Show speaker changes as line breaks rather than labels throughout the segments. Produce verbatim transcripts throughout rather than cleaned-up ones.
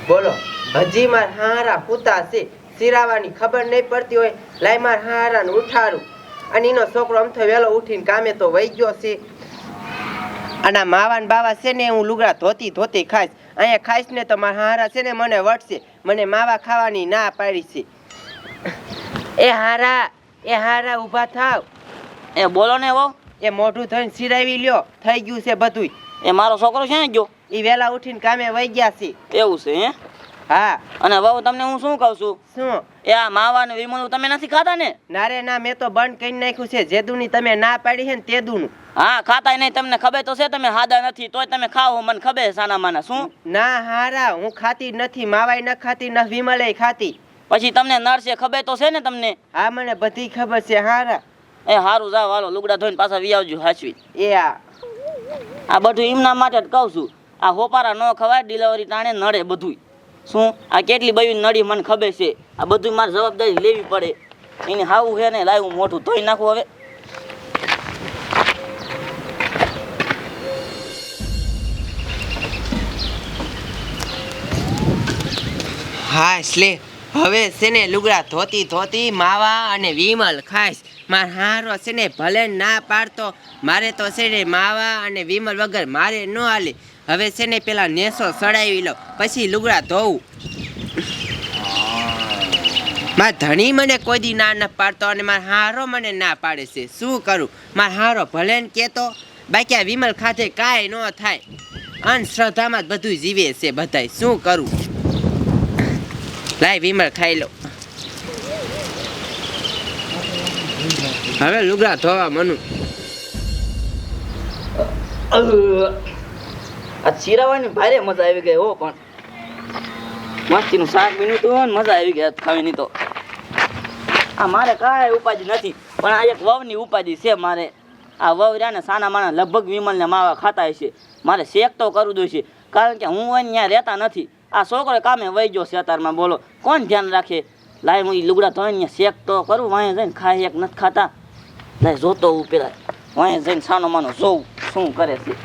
બોલો ભજી માર હારા પૂતા છે સિરાવાની ખબર નહીં પડતી હોય લાઈ માર હારાને ઉઠાડું અને એનો છોકરો આમ તો વહેલો ઉઠીને કામે તો વહી ગયો છે અને માવાન બાવા છે ને હું લુગડા ધોતી ધોતી ખાઈશ અહીંયા ખાઈશ ને તો મારા હારા છે ને મને વટશે મને માવા ખાવાની ના પાડી છે એ હારા એ હારા ઊભા થાવ
એ બોલો ને વહુ
એ મોઢું થઈને સિરાવી લ્યો થઈ ગયું છે બધુંય
એ મારો છોકરો છે ને ગયો
એ વહેલા ઉઠીને કામે વહી ગયા છે
એવું છે હે
હા
અને વહુ તમને હું શું કહું છું
શું
એ આ માવા ને વિમલ તમે નથી ખાતા ને
ના રે ના મેં તો બંધ કરી નાખ્યું છે જેદુની તમે ના પાડી છે ને તેદુનું
હા ખાતા નહીં તમને ખબર તો છે તમે હાદા નથી તોય તમે ખાઓ મને ખબર છે સાના માના શું
ના હારા હું ખાતી નથી માવાય ન ખાતી ન વિમલે ખાતી
પછી તમને નડશે ખબર તો છે ને તમને
હા મને બધી ખબર છે હારા
એ હારું જાવ હાલો લુગડા ધોઈને પાછા વી આવજો હાચવી
એ આ
આ બધું એમના માટે જ કહું છું આ હોપારા ન ખવાય ડિલિવરી ટાણે નડે બધું શું આ કેટલી બધી નડી મને ખબર છે આ બધું મારે જવાબદારી લેવી પડે એને હાવું છે ને લાવ્યું મોટું ધોઈ નાખું હવે
હા એટલે હવે છે ને લુગડા ધોતી ધોતી માવા અને વિમલ ખાઈશ માર હારો છે ને ભલે ના પાડતો મારે તો છે ને માવા અને વિમલ વગર મારે ન હાલે હવે છે ને પેલા નેસો સડાવી લો પછી લુગડા ધોવું માર ધણી મને કોઈ દી ના ન પાડતો અને માર હારો મને ના પાડે છે શું કરું માર હારો ભલે ને કહેતો બાકી આ વિમલ ખાતે કાંઈ ન થાય અંધશ્રદ્ધામાં જ બધું જીવે છે બધાય શું કરું લાય વિમલ ખાઈ લો હવે લુગડા ધોવા મનું
આ ચીરાવાની ભારે મજા આવી ગઈ હો પણ મસ્તીનું શાક બીનું તો મજા આવી ગઈ ખાવાની તો આ મારે કાંઈ ઉપાધિ નથી પણ આ એક વહુની ઉપાધિ છે મારે આ વહુ રહ્યા ને સાના માના લગભગ વિમલને માવા ખાતા હશે મારે શેક તો કરવું જોઈશે કારણ કે હું અહીંયા રહેતા નથી આ છોકરો કામે વહી ગયો છે અત્યારમાં બોલો કોણ ધ્યાન રાખે લાય હું લુગડા ધોઈને શેક તો કરું વાંહે જઈને ખાય એક નથી ખાતા લાય જોતો હું પેલા વાંહે જઈને સાનો માનો જોઉં શું કરે છે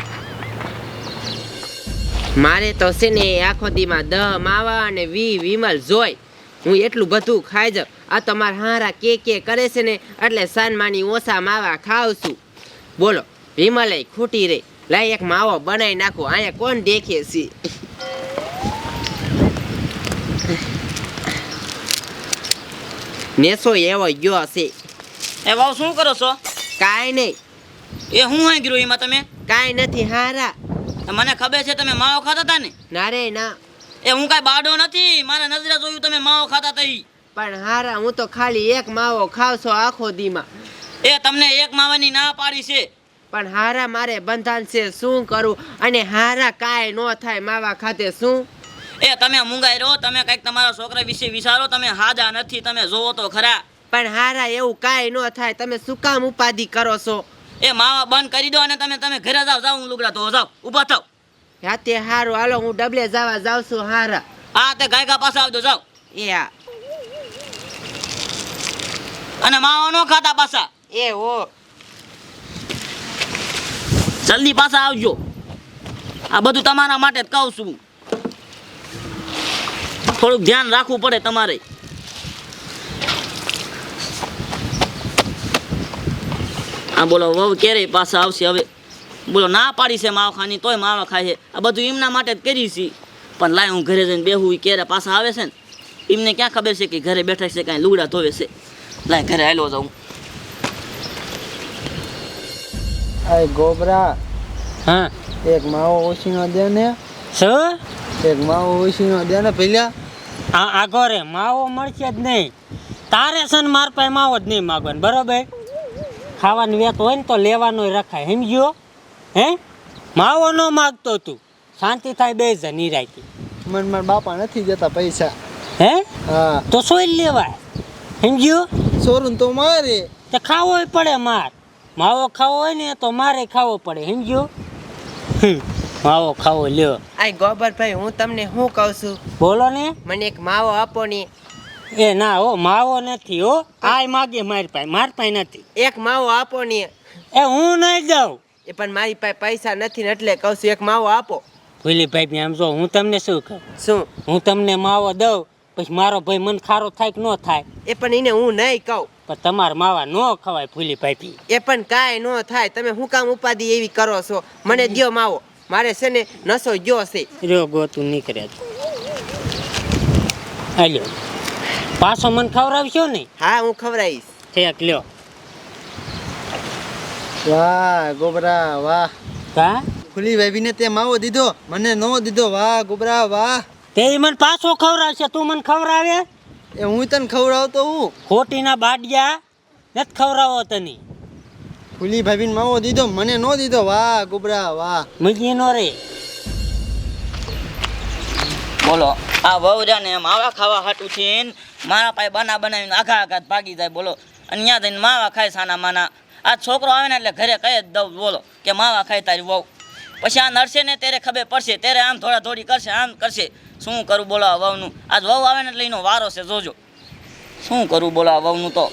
મારે તો છે ને આખો દીમાં દહ માવા અને વી વિમલ જોઈ હું એટલું બધું ખાઈ જાઉં આ તો મારા હારા કે કે કરે છે ને એટલે સાનમાની ઓછા માવા ખાવ છું બોલો વિમલે ખૂટી રે લાય એક માવો બનાવી નાખો અહીંયા કોણ દેખે છે નેસો એવો ગયો છે
એ વાવ શું કરો છો
કાંઈ નહીં
એ હું હાઈ ગયો એમાં તમે
કાંઈ નથી હારા
મને ખબર છે તમે માવો ખાતા હતા ને
ના રે ના
એ હું કાંઈ બાડો નથી મારા નજરે જોયું તમે માવો ખાતા હતા
પણ હારા હું તો ખાલી એક માવો ખાવ છો આખો દીમાં
એ તમને એક માવાની ના પાડી છે
પણ હારા મારે બંધાન છે શું કરું અને હારા કાંઈ ન થાય માવા ખાતે શું
એ તમે મૂંગાઈ રહો તમે કંઈક તમારા છોકરા વિશે વિચારો તમે હાજા નથી તમે જોવો તો ખરા
પણ હારા એવું કાંઈ ન થાય તમે શું કામ ઉપાધિ કરો છો
એ માવા બંધ કરી દો અને તમે તમે ઘરે જાઓ જાઓ હું લુગડા ધોવા જાઓ ઊભા થાવ
હા તે હારું હાલો હું ડબલે જવા જાઉં છું હારા
હા તે ગાયકા પાસે આવજો જાઓ
એ હા
અને માવા નો ખાતા પાછા
એ હો
જલ્દી પાછા આવજો આ બધું તમારા માટે જ કહું છું થોડુંક ધ્યાન રાખવું પડે તમારે આ બોલો વહુ ક્યારે પાછા આવશે હવે બોલો ના પાડી છે માવા ખાની તોય માવા ખાય છે આ બધું એમના માટે જ કરી છે પણ લાય હું ઘરે જઈને બેહું ક્યારે પાછા આવે છે ને એમને ક્યાં ખબર છે કે ઘરે બેઠા છે કાંઈ લુગડા ધોવે છે લાય ઘરે હાલો જાઉં
આય ગોબરા
હા
એક માવો ઓછીનો દે ને
શું
એક માવો ઓછીનો દે ને પેલા
આ આગો રે માવો મળશે જ નહીં તારે છે ને માર પાસે માવો જ નહીં માગવાનો બરોબર ખાવાની વેત હોય ને તો લેવાનો રખાય સમજ્યો હે માવો ન માગતો તું શાંતિ થાય બે જ નિરાયતી
મને મારા બાપા નથી જતા પૈસા
હે
હા
તો સોઈ લેવાય સમજ્યો
સોરું તો મારે
તો ખાવો પડે માર માવો ખાવો હોય ને તો મારે ખાવો પડે સમજ્યો હમ માવો ખાવો લ્યો
આ ગોબરભાઈ હું તમને શું કહું છું
બોલો ને
મને એક માવો આપો ને
એ ના હો માવો નથી હો આય માગે મારી પાસે મારી પાસે નથી
એક માવો આપો ને
એ હું નહીં જાઉં
એ પણ મારી પાસે પૈસા નથી ને એટલે કહું છું એક માવો આપો
ભૂલી ભાઈ આમ જો હું તમને શું કહું
શું
હું તમને માવો દઉં પછી મારો ભાઈ મન ખારો થાય કે ન થાય
એ પણ એને હું નહીં કહું
પણ તમારા માવા ન ખવાય ભૂલી ભાઈ
એ પણ કાંઈ ન થાય તમે હું કામ ઉપાધિ એવી કરો છો મને દ્યો માવો મારે છે ને નસો ગયો છે
રહ્યો ગોતું નીકળે હાલ્યો પાછો મન ખવડાવશો ને
હા હું ખવડાવીશ
ઠેક લ્યો
વાહ ગોબરા વાહ
કા
ફૂલી ભાભીને તે માવો દીધો મને નો દીધો વાહ ગોબરા વાહ
તે ઈ મને પાછો ખવડાવશે તું મને ખવડાવે
એ હું તને ખવડાવતો હું
ખોટીના બાડિયા નથી ખવડાવો તને
ફૂલી ભાભીને માવો દીધો મને નો દીધો વાહ ગોબરા વાહ
મજી નો રે
બોલો આ વહુરા ને માવા ખાવા હાટું છે ને મારા પાસે બના બનાવીને આઘા આઘા ભાગી જાય બોલો અને ત્યાં જઈને માવા ખાય સાના માના આ છોકરો આવે ને એટલે ઘરે કહી જ દઉં બોલો કે માવા ખાય તારી વહુ પછી આ નડશે ને ત્યારે ખબર પડશે ત્યારે આમ થોડા થોડી કરશે આમ કરશે શું કરું બોલો આ વહુનું આજ વહુ આવે ને એટલે એનો વારો છે જોજો શું કરું બોલો આ વહુનું તો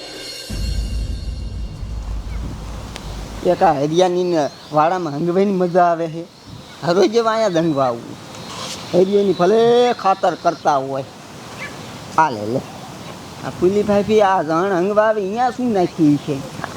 એક આ હરિયાની વાડામાં હંગભાઈની મજા આવે છે હરોજ જેવા અહીંયા દંગવા આવવું હરિયાની ભલે ખાતર કરતા હોય આ લે લે આ ફૂલી ભાભી આ જણ હંગવા આવે અહીંયા શું નાખ્યું છે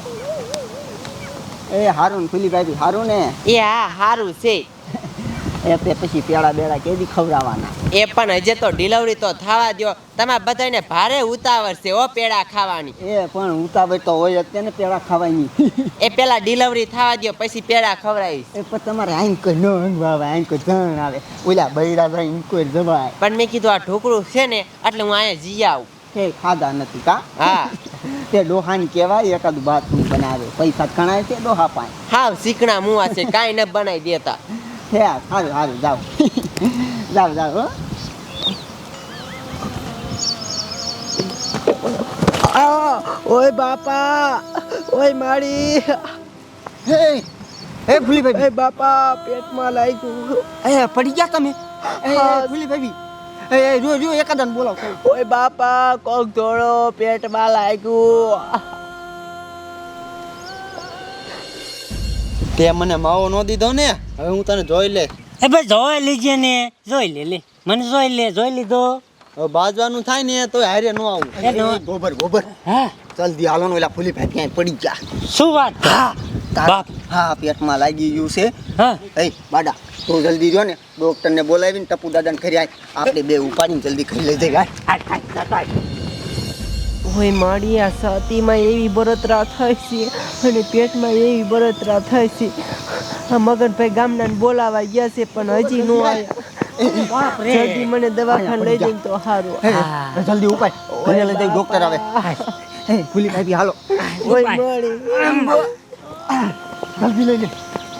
એ હારું ને ફૂલી ભાભી હારું ને
એ હા સારું છે
એ તે પછી પેડા બેડા કેદી ખવડાવવાના
એ પણ હજે તો ડિલિવરી તો થવા દ્યો તમારે બધાને ભારે ઉતાવળ છે ઓ પેડા ખાવાની
એ પણ ઉતાવળ તો હોય અત્યારે પેડા ખાવાની
એ પેલા ડિલિવરી થવા દ્યો પછી પેડા ખવડાવીશ
એ પણ તમારે આઈન કોઈ ન હંગવા આવે આઈન કોઈ જણ આવે ઓલા બૈરા જાય કોઈ જવાય
પણ મેં કીધું આ ઢોકળું છે ને એટલે હું અહીંયા જી આવું
કે ખાધા નથી કા
હા
તે ડોહાની કહેવાય એકાદું બાથરૂમ બનાવે પૈસા ગણાય છે ડોહા પાસે
હાવ શીકણા મુવા છે કાંઈ ન બનાવી દેતા
હે સારું સારું જાઓ જાઓ જાઓ હો આ, ઓય બાપા ઓય મારી હે હે ભૂલી ભાઈ બાપા પેટમાં લાગ્યું એ પડી ગયા તમે એ ભૂલી ભાઈ એ એ જો જો એકાદન બોલાવ ઓય બાપા કોક ધોળો પેટમાં લાગ્યું તે મને માવો નો દીધો ને હવે હું તને જોઈ લે
એ ભાઈ જોઈ લીજે ને જોઈ લે લે મને જોઈ લે જોઈ લીધો
હવે બાજવાનું થાય ને તો હારે નો આવું
એ નો-
ગોબર ગોબર
હા
જલ્દી હાલો ને ઓલા ફૂલી ભાઈ ત્યાં પડી ગયા
શું વાત
હા તાર-
બાપ.
હા પેટમાં લાગી ગયું છે
હા
એ બાડા તું જલ્દી જો ને ડોક્ટરને બોલાવીને ટપુ દાદાને ખરી આય આપણે બે ઉપાડીને જલ્દી ખાઈ લઈ જાય
ઓય માડી આ છાતીમાં એવી બળતરા થાય છે અને પેટમાં એવી બળતરા થાય છે આ મગનભાઈ ગામના બોલાવા ગયા છે પણ હજી નો આવ્યા જલ્દી મને દવાખાને લઈ જઈને તો સારું
એ, જલ્દી ઉપાય ઘરે લઈ જાય ડોક્ટર આવે એ ફૂલી ભાઈ હાલો
ઓય માડી
જલ્દી લઈ લે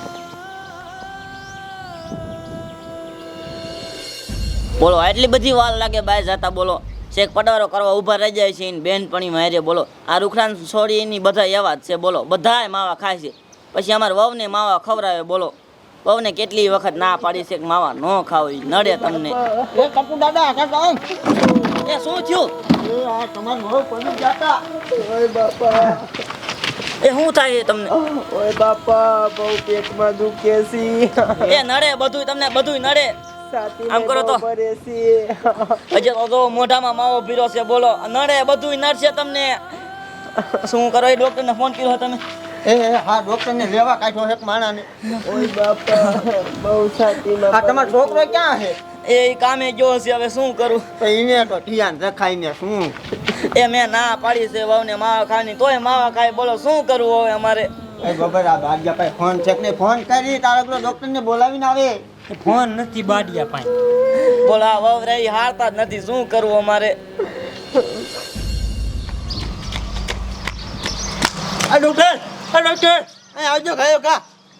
બોલો આટલી બધી વાર લાગે બહાર જતા બોલો શેક પડારો કરવા ઊભા રહી જાય છે ને બેનપણી મારે બોલો આ રૂખડાન છોડી એની બધા એવા જ છે બોલો બધાય માવા ખાય છે પછી અમારે વહુને માવા ખવડાવે બોલો વહુને કેટલી વખત ના પાડી છે કે માવા ન ખાવ ઈ નડે તમને
એ ટપુ દાદા કાકા
એ શું થયું
એ આ તમાર બહુ પડી જાતા ઓય બાપા
એ શું થાય છે તમને
ઓય બાપા બહુ પેટમાં દુખે છે
એ નડે બધું તમને બધું નડે આમ કરો તો.
ભરે છે
હજી તો જો મોઢામાં માવો પીરો છે બોલો નડે બધું નડશે તમને શું કરો એ ડોક્ટરને ફોન કર્યો તમે
એ એ, હા ડોક્ટરને લેવા કાઢ્યો એક માણાને
ઓય બાપા બહુ છાતીમાં
આ તમારો છોકરો ક્યાં છે
એ કામે ગયો છે હવે શું કરું
તો એને તો ધ્યાન રખાઈને શું
એ મેં ના પાડી છે વહુને માવા ખાવાની તોય માવા ખાય બોલો શું કરવું હવે અમારે
એ ખબર આ ભાગ્યા ભાઈ ફોન છે કે નહીં? ફોન કરી તારા પેલો ડોક્ટરને બોલાવીને આવે
ફોન નથી બાડિયા પાસે
બોલો આ વહુ રહી હારતા જ નથી શું કરવું અમારે
આ ડોક્ટર આ ડોક્ટર એ આવજો ગયો કા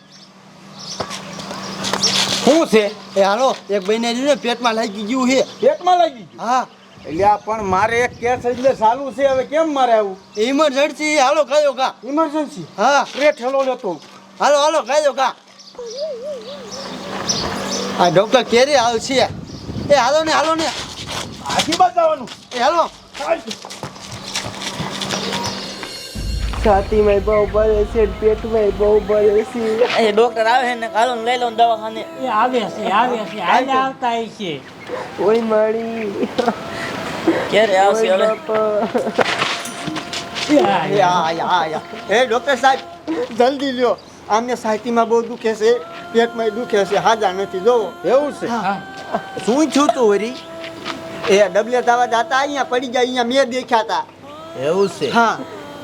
શું છે એ હાલો એક બહેને જોયું પેટમાં લાગી ગયું છે
પેટમાં લાગી ગયું
હા
એટલે આ પણ મારે એક કેસ એટલે ચાલુ છે હવે કેમ મારે આવું
ઇમરજન્સી હાલો ગયો કા
ઇમરજન્સી
હા
રે ઠેલો લેતો
હાલો હાલો ગયો કા આ ડોક્ટર કેરી આવશે એ હાલો ને હાલો ને
આથી બતાવવાનું
એ હાલો
છાતીમાં બહુ બળે છે પેટમાં બહુ બળે છે
એ ડોક્ટર આવે છે ને કાલો ને લઈ લો ને દવાખાને.
એ આવે છે આવે છે હાલે આવતા હશે છે
ઓય મારી
ક્યારે આવશે
ઓય
હવે?
બાપા
એ આ યા યા એ ડોક્ટર સાહેબ જલ્દી લ્યો આમને છાતીમાં બહુ દુખે છે પેટમાં દુખે છે હાજા નથી જોવો
એવું છે શું છું તું વરી
એ ડબલે દાવા જાતા અહીંયા પડી ગયા અહીંયા મેં દેખ્યા હતા
એવું છે
હા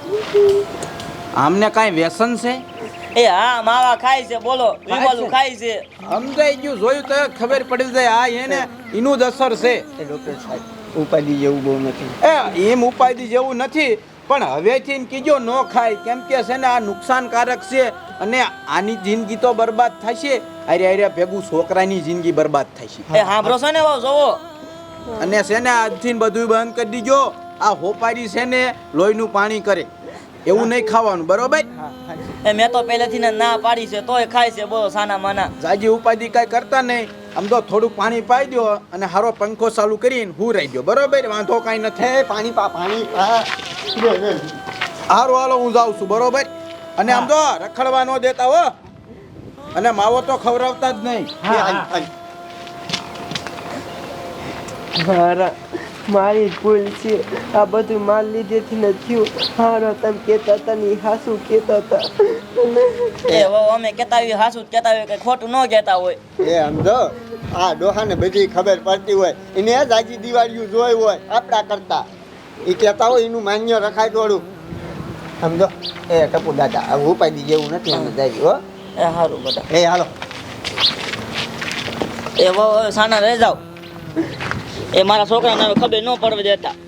આમને કાંઈ વ્યસન છે
એ હા માવા ખાય છે બોલો વિમલું ખાય છે.
સમજાઈ ગયું જોયું તો ખબર પડી જાય આ એને એનું જ અસર છે
એ ડોક્ટર સાહેબ ઉપાધિ જેવું બહુ નથી
એ એમ ઉપાધિ જેવું નથી પણ હવેથી ને કીજો ન ખાય કેમ કે છે ને આ નુકસાનકારક છે અને આની જિંદગી તો બરબાદ થશે અરે અરે ભેગું છોકરાની જિંદગી બરબાદ થશે
એ સાંભળો છો ને વાવ જોવો
અને છે ને આજથી બધું બંધ કરી દીજો આ હોપારી છે ને લોહીનું પાણી કરે એવું નહીં ખાવાનું બરોબર
એ મેં તો પહેલેથી ને ના પાડી છે તોય ખાય છે બોલો સાના માના.
જાજી ઉપાધિ કાંઈ કરતા નહીં આમ તો થોડુંક પાણી પાઈ દો અને હારો પંખો ચાલુ કરીને હું રહી દો બરોબર વાંધો કાંઈ નથી
એ પાણી પા પાણી પા લે, લે.
હારું હાલો હું જાઉં છું બરોબર અને આમ તો રખડવા ન દેતા હો અને માવો તો ખવડાવતા જ નહીં
એ હાલ, હાલ.
મારા મારી જ ભૂલ છે આ બધું માલ લીધેથી ન થયું હારો તમે કહેતા હતા ને હાસુ કહેતા હતા
એ વાવ અમે કહેતા હોય હાસું જ કહેતા હોય કે ખોટું ન કહેતા હોય.
એ સમજો આ ડોહાને બધી ખબર પડતી હોય એને જ આજી દિવાળીઓ જોઈ હોય આપણા કરતા એ કહેતા હોય એનું માન્ય રખાય થોડું સમજો એ ટપુ દાદા હવે ઉપાધિ જેવું નથી અમે જાય હો
એ સારું બધા
એ હાલો
એ વાવ હવે સાના રહી જાવ એ મારા છોકરાને હવે ખબર ન પડવા દેતા.